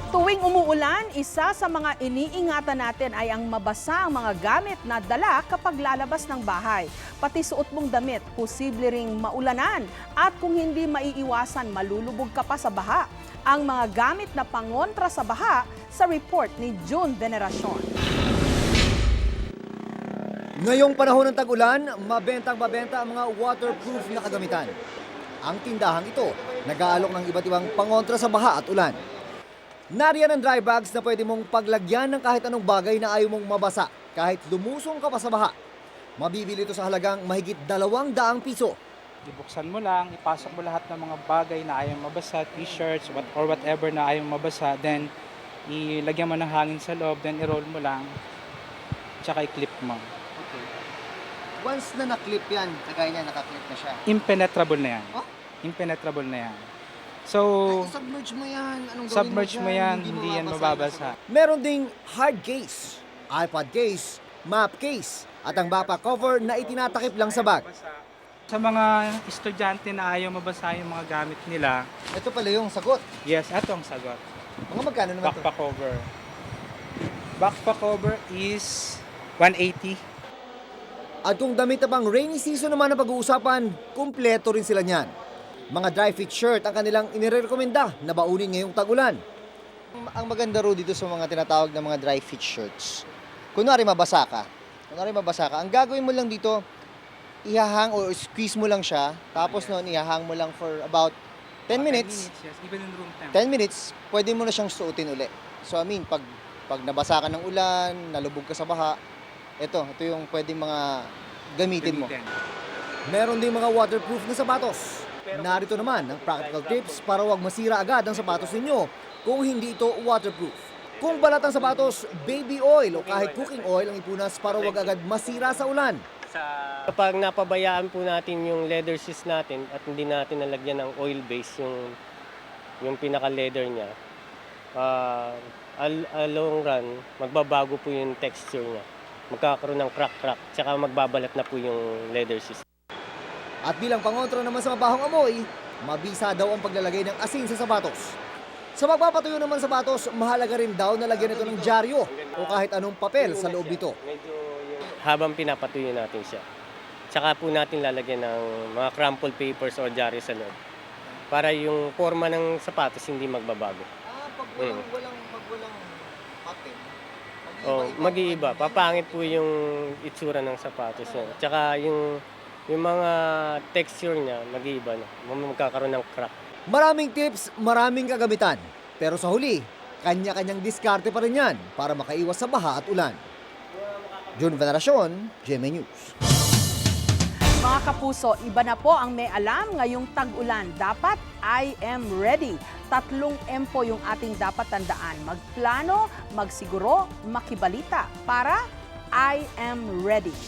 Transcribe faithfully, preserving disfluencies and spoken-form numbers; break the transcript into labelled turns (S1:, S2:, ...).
S1: Tuwing umuulan, isa sa mga iniingatan natin ay ang mabasa ang mga gamit na dala kapag lalabas ng bahay. Pati suot mong damit, posible ring maulanan at kung hindi maiiwasan, malulubog ka pa sa baha. Ang mga gamit na pangontra sa baha sa report ni June Veneracion.
S2: Ngayong panahon ng tag-ulan, mabentang-mabenta ang mga waterproof na kagamitan. Ang tindahang ito, nag-aalok ng iba't ibang pangontra sa baha at ulan. Nariyan ang dry bags na pwede mong paglagyan ng kahit anong bagay na ayaw mong mabasa kahit lumusong ka pa sa baha. Mabibili ito sa halagang mahigit dalawang daang piso.
S3: Ibuksan mo lang, ipasok mo lahat ng mga bagay na ayaw mabasa, t-shirts what, or whatever na ayaw mabasa, then ilagyan mo ng hangin sa loob, then i-roll mo lang, tsaka i-clip mo.
S2: Okay. Once na na-clip yan, kagaya niya, naka-clip na siya.
S3: Impenetrable na yan.
S2: Oh?
S3: Impenetrable na yan. So,
S2: Ay, submerge mo yan. Anong gawin
S3: submerge
S2: mo
S3: mo
S2: dyan?
S3: yan, hindi yan mababasa.
S2: Meron ding hard case, iPad case, map case, at ang bapa cover na itinatakip lang sa bag.
S3: Sa mga estudyante na ayaw mabasa yung mga gamit nila,
S2: Ito pala yung sagot.
S3: yes, eto ang sagot.
S2: Mga magkano naman ito?
S3: Backpack cover. Backpack cover is one eighty.
S2: At kung damit na pang rainy season naman ang pag-uusapan, kumpleto rin sila niyan. Mga dry fit shirt ang kanilang inirekomenda na baunin ngayong tag-ulan.
S4: Ang maganda ro dito sa mga tinatawag na mga dry fit shirts, kunwari mabasa ka, kunwari mabasa ka, ang gagawin mo lang dito, ihahang or squeeze mo lang siya, tapos noon ihahang mo lang for about ten minutes,
S3: Yes, even in room temp.
S4: ten minutes, pwede mo na siyang suotin uli. So I mean, pag, pag nabasa ka ng ulan, nalubog ka sa baha, ito, ito yung pwedeng mga gamitin mo.
S2: Meron ding mga waterproof na sapatos. Narito naman ang practical tips para wag masira agad ang sapatos ninyo kung hindi ito waterproof. Kung balat ang sapatos, baby oil o kahit cooking oil ang ipunas para wag agad masira sa ulan.
S5: Kapag napabayaan po natin yung leather shoes natin at hindi natin nalagyan ng oil base yung yung pinaka-leather niya, uh, al- a long run, magbabago po yung texture niya. Magkakaroon ng crack-crack, tsaka magbabalat na po yung leather shoes.
S2: At bilang pangontra naman sa mabahong amoy, mabisa daw ang paglalagay ng asin sa sapatos. Sa magpapatuyo naman sa sapatos, mahalaga rin daw na lagyan ito ng dyaryo o kahit anong papel sa loob nito.
S5: Medyo yung habang pinapatuyo natin siya. Tsaka po natin lalagyan ng mga crumpled papers or dyaryo sa loob. Para yung forma ng sapatos hindi magbabago.
S4: Ah, pag
S5: walang-
S4: walang, pag walang papel,
S5: O, mag-iiba. Papangit po yung itsura ng sapatos niya. Tsaka yung, yung mga texture niya, mag-iiba na. Magkakaroon ng crack.
S2: Maraming tips, maraming kagamitan. Pero sa huli, kanya-kanyang diskarte pa rin yan para makaiwas sa baha at ulan. June Veneracion, G M A News.
S1: Mga kapuso, iba na po ang may alam ngayong tag-ulan. Dapat I am ready. Tatlong M po yung ating dapat tandaan. Magplano, magsiguro, makibalita para I am ready.